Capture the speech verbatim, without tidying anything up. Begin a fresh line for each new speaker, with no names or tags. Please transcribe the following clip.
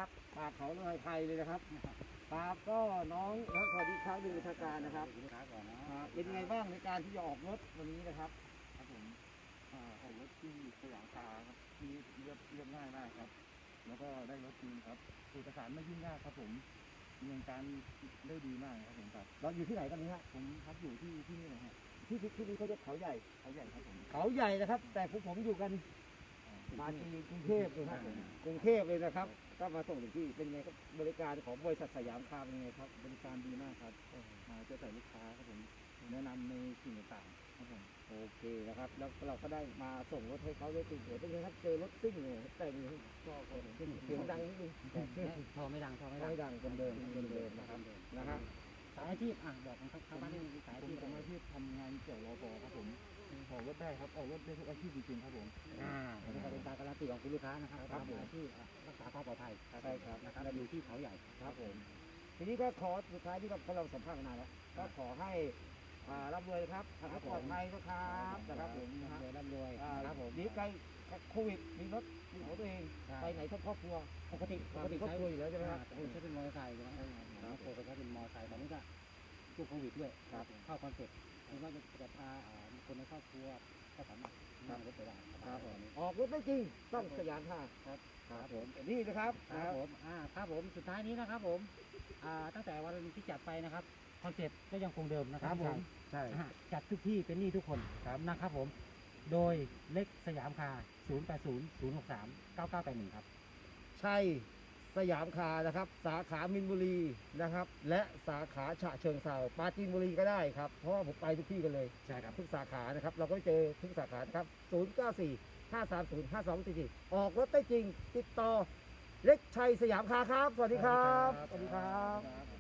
นะครับปากเขาลอยไทยเลยนะครับครับก็น้องสวัสดีครับดูทางการนะครับ
ลูกค้าก่อนนะ
อ่าเป็นไงบ้างในการที่จะออกรถวันนี้นะครับ
ครับผมอ่าออกรถที่สยามคาร์ครับที่เรียบเรียบง่ายมากครับ แล้วก็ได้รถจริงครับเอกสารไม่ยุ่งยากครับผมดำเนินการได้ดีมากครับผมครับ
เราอยู่ที่ไหนกันนี้ฮะ
ผมพักอยู่ที่ที่นี่นะฮะ
ที่ที่ที่นี่เขาเรียกเขาใหญ่
เขาใหญ่ครับผม
เขาใหญ่นะครับ แต่พวกผมอยู่กัน
อ่า
มาที่กรุงเทพเลยครับผมกรุงเทพเลยนะครับ ก็มาส่งถึงที่เป็นไงครับบริการของบริษัทสยามคาร์เป็นไงครับ
บริการดีมากครับมาเจอแต่ลูกค้าครับผมแนะนำในสิ่งต่างๆครับผม
โอเคนะครับ แล้วเราก็ได้มาส่งรถให้เขาได้ติดเสียเป็นไงครับเจอรถซิ่งเนี่ยแต่งก็เสียงดังนิดนึง
พอไม่ดังพอไม่ดัง
ไม่ดังเดิมเดิมเดิมนะครับนะฮะ
สายอาชีพอ่ะบอกของชาวบ้านที่มีสายอา
ผม
ชีพ
ผมอาชีพทำงานเกี่ยวรอปอครับผมออกรถได้ครับออกรถได้ทุกอาชีพจริงๆครับผม
อ่าอันนี้ก็เป็นการการันตีของคุณลูกค้านะครับ
ครับผม
อาชีพรักษาความปลอดภัย
ใช่ครับ
นะครับและอยู่ที่เขาใหญ่
ครับผมทีนี้ก็ขอสุดท้ายที่เราเราสัมภาษณ์กันนานแล้วก็ขอให้อ่าร่ำรวยครับขับรถปลอดภัยนะครับนะครับผมนะฮะ
รวยร่ำรวย
อ่า
ครับผม
ดีไกลโควิดมีรถมีของตัวเอง
ใช่
ไปไหนทั้งครอบครัว
ปกติ
ปกติครอบครัวอยู่แล้วใช่ไหมครับ
ปกติใช้เป็นมอเตอร์ไซค์ใช่ไหมครับปกติใช้เป็นมอเตอร์ไซค์ตอนนี้ก็ช่วงโควิดด้วย
ครับ
เข้าคอนเซ็ปต์ไม่ว่าจะพาอ่าคนในครอบครัวก็สามารถนั่งรถไปได้
ครับผมออกรถได้จริงต้องสยามค่ะ
ครับ
ครับผมนี่นะครับ
ครับผมอ่าครับผมสุดท้ายนี้นะครับผมอ่าตั้งแต่วันที่จัดไปนะครับคอนเซ็ปต์ก็ยังคงเดิมนะค
ค
รั
รั
บบ
ผม
ใช่
อ่าจัดทุกที่เป็นหนี้ทุกคนนะครับผมโดยเล็กสยามคาร์ศูนย์ แปด ศูนย์ ศูนย์ หก สาม เก้า เก้า แปด หนึ่งครับ
ใช่สยามคาร์นะครับ สาขามินบุรีนะครับ และสาขาฉะเชิงเทราปราจีนบุรีก็ได้ครับเพราะว่าผมไปทุกที่กันเลย
ใช่ครับ
ทุกสาขานะครับ เราก็เจอทุกสาขานะครับ ศูนย์ เก้า สี่ ห้า สาม ศูนย์ ห้า สอง สี่ สี่ ออกรถได้จริง ติดต่อ เล็กชัยสยามคาร์ครับ สวัสดีครับ สวัสดีครับ
ครับ